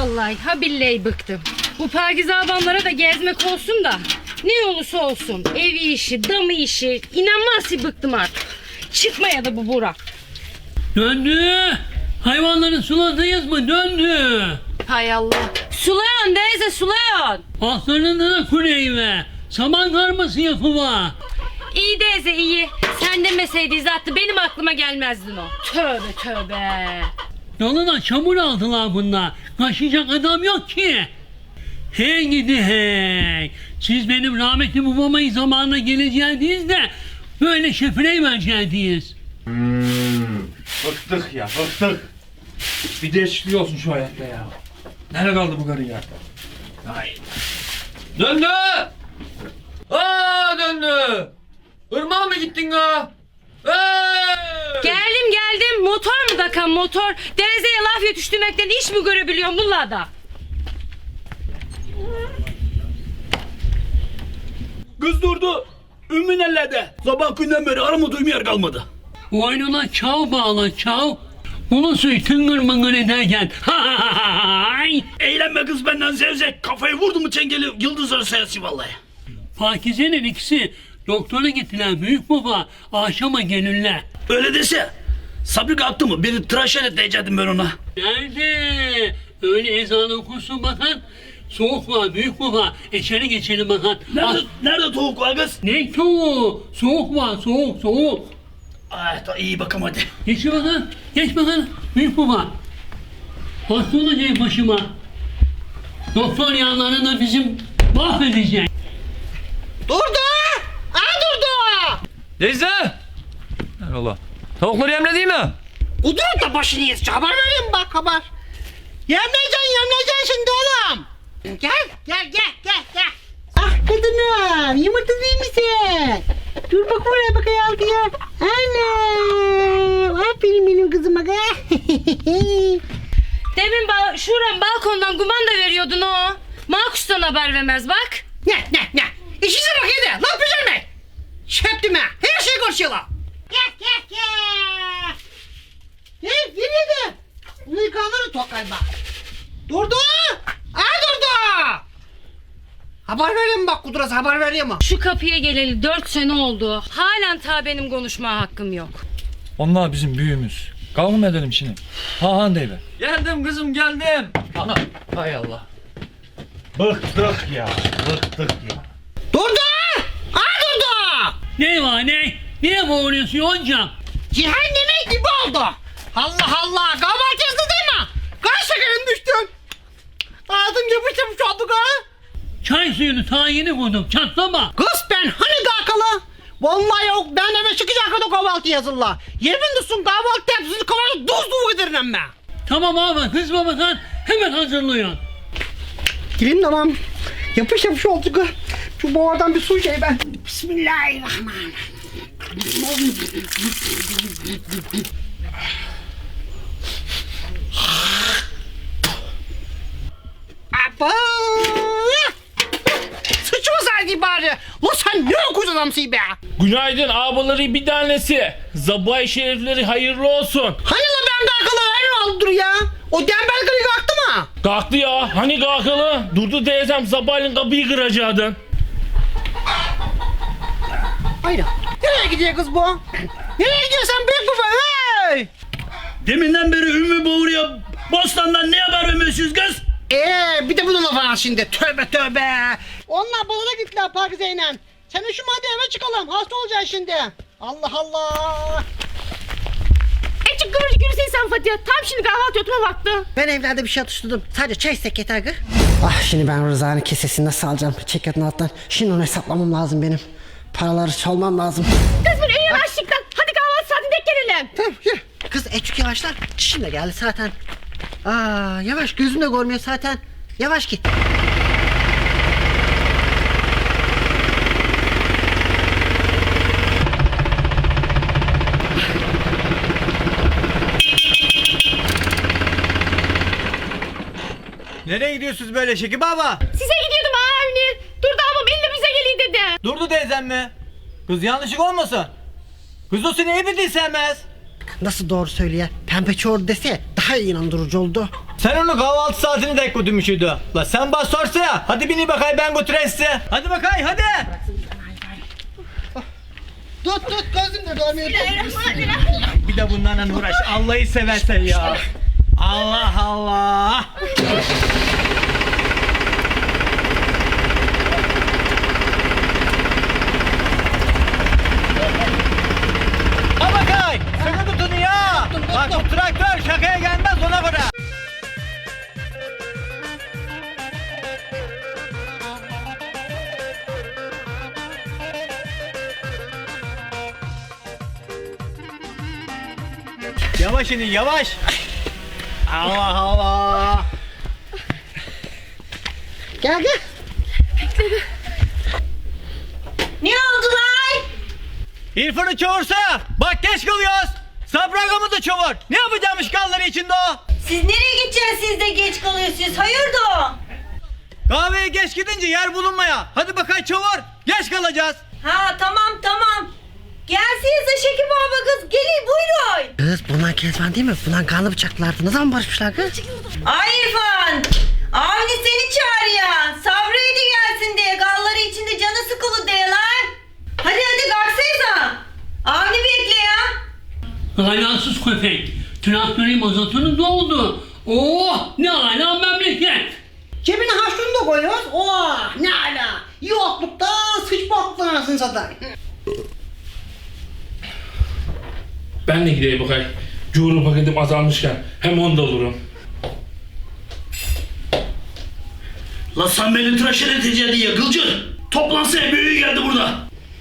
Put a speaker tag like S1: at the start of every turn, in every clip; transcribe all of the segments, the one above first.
S1: Vallahi ha billahi bıktım. Bu Pakize abamlara da gezmek olsun da ne olursa olsun evi işi, damı işi inanmaz ki bıktım artık. Çıkmaya da bu Burak.
S2: Döndü. Hayvanları suladınız mı? Döndü.
S1: Hay Allah. Sulayan teyze sulayan.
S2: Ahlarını da kuleyve. Saman karması yapıma.
S1: İyi teyze iyi. Sen demeseydin zaten benim aklıma gelmezdin o. Tövbe tövbe.
S2: Yoluna çamur aldılar bunlar. Kaşıyacak adam yok ki. Hey gidi hey. Siz benim rahmetli babamın zamanına geleceğiniz de böyle şefrey vereceğiniz.
S3: Bıktık ya bıktık. Bir değişiklik olsun şu hayatta ya. Nerede kaldı bu karı ya? Ay. Döndü! Aa döndü! Irmağa mı gittin ha?
S1: Geldim. Motor mu dakan motor? Teyzeye laf yetiştirmekten iş mi görebiliyorum bunlarda?
S4: Kız durdu. Ümmü ellerde. Sabah günden beri arama yer kalmadı.
S2: Boynuna çav bağla çav. Bunu suyu tıngır mıngır ederken. Hay!
S4: Eğlenme kız benden zevzek. Kafayı vurdu mu çengeli yıldızları sayası vallahi.
S2: Pakize'nin ikisi doktora gittiler büyük baba. Akşama gelirler.
S4: Öyle dese. Sabri kalktı mı? Bir tıraş edecektim ben ona.
S2: Nerede? Öyle ezan okursun bakan. Soğuk var büyük baba. İçeri geçelim bakan.
S4: Nerede tavuk var kız?
S2: Ne soğuğu? Soğuk var soğuk.
S4: Ay da iyi bakalım hadi.
S2: Geç bakalım. Geç bakalım. Büyük baba. Hasta olacak başıma. Doktor yanlarında bizim mahvedecek.
S5: Durdu! Durdu!
S3: Teyze! Eyvallah. Tavukları yemle değil mi?
S5: Kudurun da başını yiyeceksin. Haber vereyim bak haber. Yemleyeceksin şimdi oğlum. Gel. Ah kadınım, yumurta değil misin? Dur bak buraya bak ya. Anam, aferin benim kızıma.
S1: Demin şuran balkondan kumanda veriyordun o. Makus'tan haber vermez bak.
S5: Ne? İşinize bak yedi. Lan pijama. Şeptime. Her şey konuşuyorlar. Gel. Yürüdü. Bunu yıkanları tok galiba. Durdu. Durdu. Haber vereyim bak Kudurası haber vereyim mi?
S1: Şu kapıya geleli 4 sene oldu. Halen ta benim konuşma hakkım yok.
S6: Onlar bizim büyüğümüz. Kavga mı edelim şimdi? Han deyiver.
S3: Geldim kızım geldim. Ana. Hay Allah.
S4: Bıktık ya.
S5: Durdu. Durdu.
S2: Ne var ne? Niye bağırıyorsun yoncam?
S5: Cehenneme gibi oldu. Allah. Kahvaltı yazdı değil mi? Kaç şekerim düştüm. Ağzım yapışmış oldu ha.
S2: Çay suyunu ta yeni koydum çatlama.
S5: Kız ben hani kalkalı? Vallahi yok ben eve çıkacak kadar kahvaltı yazılla. Yemin olsun kahvaltı tepsisi kahvaltı duzluğu giderim ben.
S2: Tamam abi kızma bakan hemen hazırlıyorsun.
S5: Gireyim tamam. Yapış oldu kız. Şu boğadan bir su şey ben. Bismillahirrahmanirrahim. Apa! Sıçmasaydı bari. Lan sen ne okuz adamsın be?
S7: Günaydın abileri bir tanesi. Zabay şerifleri hayırlı olsun.
S5: Hani la ben kalkalı her oldu ya? O tembel kırık kalktı mı?
S7: Kalktı ya. Hani kalkalı? Durdu teyzem Zabay'ın kapıyı kıracaktı.
S5: Hayır. Nereye gidiyor kız bu? Nereye gidiyorsun büyük baba? Hey!
S4: Deminden beri Ümmü boğuruyor. Bostandan ne haber vermiyorsunuz kız?
S5: Bir de bunun lafı var şimdi. Tövbe. Onlar balona gittiler Pakize'yle. Sen şu hadi eve çıkalım. Hasta olacaksın şimdi. Allah.
S1: Ecik kıvırcık yürüsene sen Fatih. Tam şimdi kahvaltı yutma vakti.
S5: Ben evlerde bir şey atıştırdım. Sadece çay istek yeter ki. Şimdi ben Rıza'nın kesesini nasıl alacağım? Çeketin alttan. Şimdi onu hesaplamam lazım benim. Paraları çalmam lazım.
S1: Kız bir yavaşlıktan. Hadi kahvaltı saatinde gelelim.
S5: Tamam yürü. Kız Ecik yavaşlar. Çişim de geldi zaten. Yavaş gözüm de görmüyor zaten. Yavaş git.
S8: Nereye gidiyorsunuz böyle Şekip baba?
S1: Size gidiyordum Avni. Durdu ama benimle bize geleyim dedi.
S8: Durdu teyzem mi? Kız yanlışlık olmasın. Kız o seni iyi bildiğin sevmez.
S5: Nasıl doğru söylüyor? Pembe çoğur dese daha inandırıcı oldu.
S8: Sen onu kahvaltı saatini de götürmüşydü. La sen bas sorsa ya. Hadi bini bakay ben götüreyim size. Hadi bakay hadi.
S5: Tut gözüm de görmüyor.
S8: Bir de bunlarla uğraş. Allah'ı seversen ya. Allah Allah. Ha bakay. Sıkı tutun ya. Bak bu traktör şakaya gelmez ona göre. Yavaş inin yavaş. Allah Allah.
S5: Gel.
S9: Ne oldu lan?
S8: İrfan'ı çağırsa. Bak geç kalıyoruz. Sabragamı da çağır. Ne yapacağımış kalları içinde o?
S9: Siz nereye gideceksiniz, siz de geç kalıyorsunuz? Hayırdır?
S8: Kahveye geç gidince yer bulunmaya. Hadi bakay çağır. Geç kalacağız.
S9: Ha tamam. Gelsinize Şekip baba kız. Gelin buyurun.
S5: Kız bunlar Kezban değil mi? Bunlar kanlı bıçaklardı. Ne zaman barışmışlar kız?
S9: Ay İrfan. Avni seni çağırıyor. Sabrıydı gelsin diye. Galları içinde canı sıkılı diye lan. Hadi kalksayza. Avni bekle ya.
S2: Haylansız köpek. Traktörün mazotunu doldu. Oh ne ala memleket.
S5: Cebine haşlığını da koyuyoruz. Oh ne ala. Yoklukta sıçmakla anasını satayım.
S7: Ben de gideyim bakay. Cuğru paketim azalmışken hem onu da olurum.
S4: La sen beni tıraş edeceksin diye Gılcır. Toplansana büyüğü geldi burada.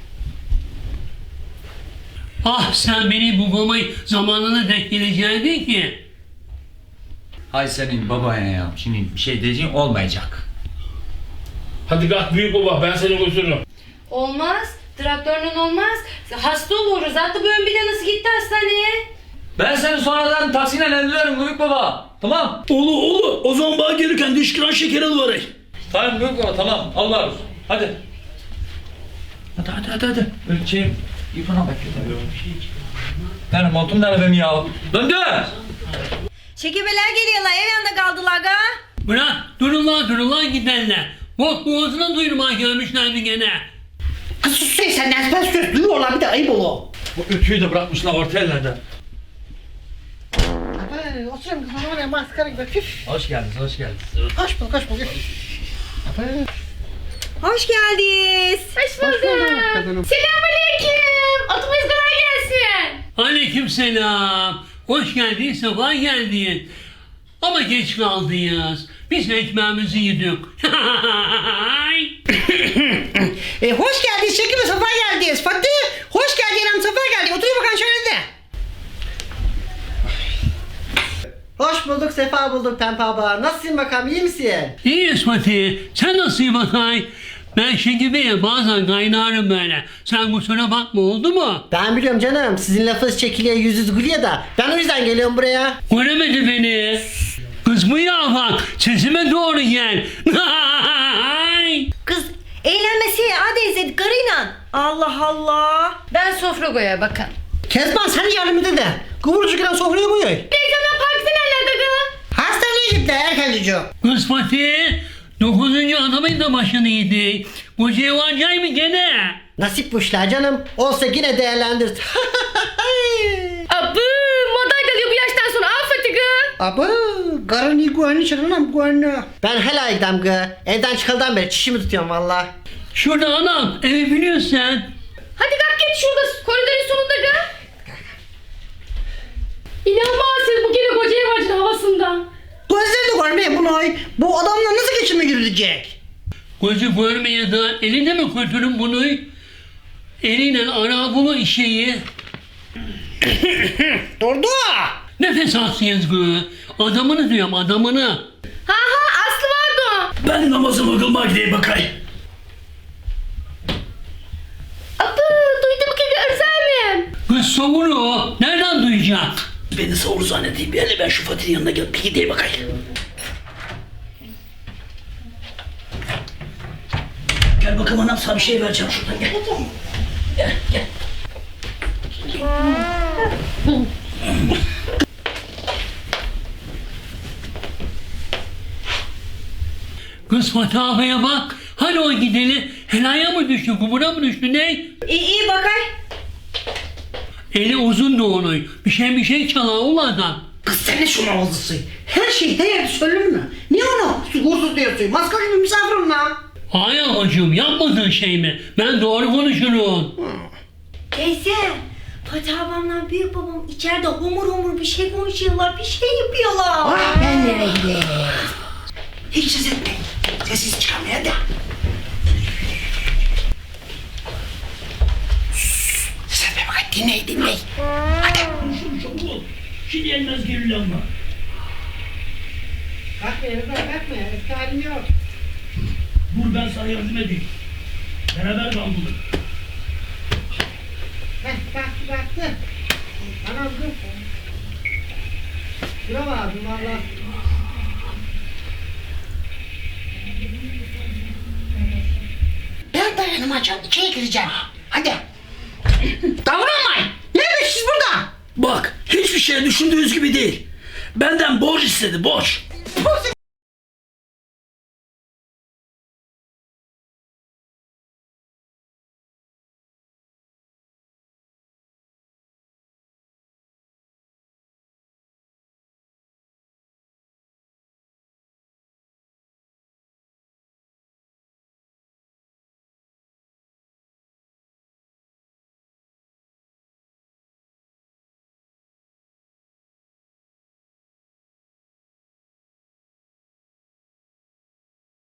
S2: Ah sen beni bugamayı zamanına denk geleceğindin ki.
S3: Hay senin babaya ya. Şimdi bir şey diyeceğin olmayacak.
S7: Hadi kalk büyük baba ben seni götürürüm.
S1: Olmaz. Traktörün olmaz. Hasta oluruz. Hatta bugün bile nasıl gitti hastaneye?
S3: Ben seni sonradan taksiyle evlenirim büyük baba. Tamam.
S4: Oğlu o zaman bana gelirken diş kıran şeker alıver.
S3: Tamam büyük baba tamam. Allah razı olsun. Hadi. Hadi. Ölçeyim. İrfan'a bekle. Benim montum nerede benim ya? Döndü.
S9: Şekibeler geliyorlar. Ev yanında kaldılar ga.
S2: Bırak durun lan gidenler. Bok boğazına duyurmaya gelmişler mi gene?
S5: Kız sus sen nesben söz duyuyorlar bir de ayıp olur.
S3: Bu ütüyü de bırakmışlar orta ellerde.
S5: Oturuyorum kızım oraya maskara gibi. Püf.
S3: Hoş geldiniz.
S5: Hoş bulduk.
S9: Hoş geldiniz.
S1: Hoş bulduk. Selamünaleyküm. Otobüs kolay gelsin.
S2: Aleykümselam. Hoş geldin, sabah geldin. Ama geç kaldınız. Biz ekmeğimizi yedik.
S5: Hoş geldiniz Şekip ve Safa geldiniz. Fatih hoş geldin hanım Safa geldi. Otur bakalım şöyle de. Hoş bulduk Sefa bulduk Pembe abla. Nasılsın bakalım iyi misin?
S2: İyiyiz Fatih. Sen nasılsın bakay? Ben Şekibe'ye bazen kaynarım böyle. Sen kusura bakma oldu mu?
S5: Ben biliyorum canım sizin lafınız çekiliyor yüzünüz gülüyor da. Ben o yüzden geliyorum buraya.
S2: Göremedi beni. Kız bu ya bak. Sesime doğru gel.
S9: Kız eğlenmesi hadi izledik karıyla. Allah Allah.
S1: Ben sofra koyar bakın.
S5: Kezban sen yardım et de. Kıvırcık giren sofraya koyuyor.
S1: Teyzemden partisi nerede kız?
S5: Hastaneye gittiler erkencici.
S2: Kız Fatih. 9. adamın da başını yedi. Bu cevacay mı gene?
S5: Nasip bu işler canım. Olsa yine değerlendir.
S1: Abı madalya bu yaştan sonra affeti kız.
S5: Aba karın iyi güvenli çırınam güvenli. Ben helal gidem gı. Evden çıkıldan beri çişimi tutuyorum valla.
S2: Şurada anam evi biliyorsun sen.
S1: Hadi kalk git şurada koridorun sonunda kız. İnanmazsınız bu gene koca evacın havasında.
S5: Gözlerini görmeye bunu. Bu adamla nasıl geçime girecek?
S2: Gözü görmeye de elinde mi götürün bunu? Eliyle ara bunu işeyi.
S5: Durdu.
S2: Nefes alsınız kız. Adamını diyorum adamını.
S1: Ha Aslı vardı.
S4: Ben namazımı kılmaya gideyim bakay.
S1: Abı duydum ki görselim.
S2: Kız savunu nereden duyacak?
S4: Beni savur zannedeyim. Hele ben şu Fatih'in yanına gel. Bir gideyim bakay. Gel bakalım anam sana bir şey vereceğim şuradan gel. Gel.
S2: Kız Fatih ağabeye bak. Hadi o gideli. Helaya mı düştü, kumura mı düştü ne?
S9: İyi bakay.
S2: Eli uzun da onun. Bir şey çalar ol adam.
S5: Kız sen ne şuna oldusun? Her şey her yerde söylenir mi? Niye onu uğursuz diyorsun? Maskar gibi misafirim lan.
S2: Hayır hocam yapmadığın şey mi? Ben doğru konuşurum.
S9: Teyze. Fatih abamla büyük babam içeride homur bir şey konuşuyorlar. Bir şey yapıyorlar.
S5: Ben nereye gideyim? Hiç ses etmeyin. Sessiz çıkamaya da. Sen de bak dinleyin.
S4: Şimdi elmez gerilir ama.
S5: Kalkma kalkma. Eski halim yok.
S4: Dur ben sana yardım edeyim. Beraber kaldık.
S5: Kalktı. Anam dur. Şuna bak abim valla. Ben dayanamayacağım. İçeri gireceğim. Hadi. Davranmayın. Ne yapıyorsunuz burada?
S4: Bak hiçbir şey düşündüğünüz gibi değil. Benden borç istedi borç.
S5: Bu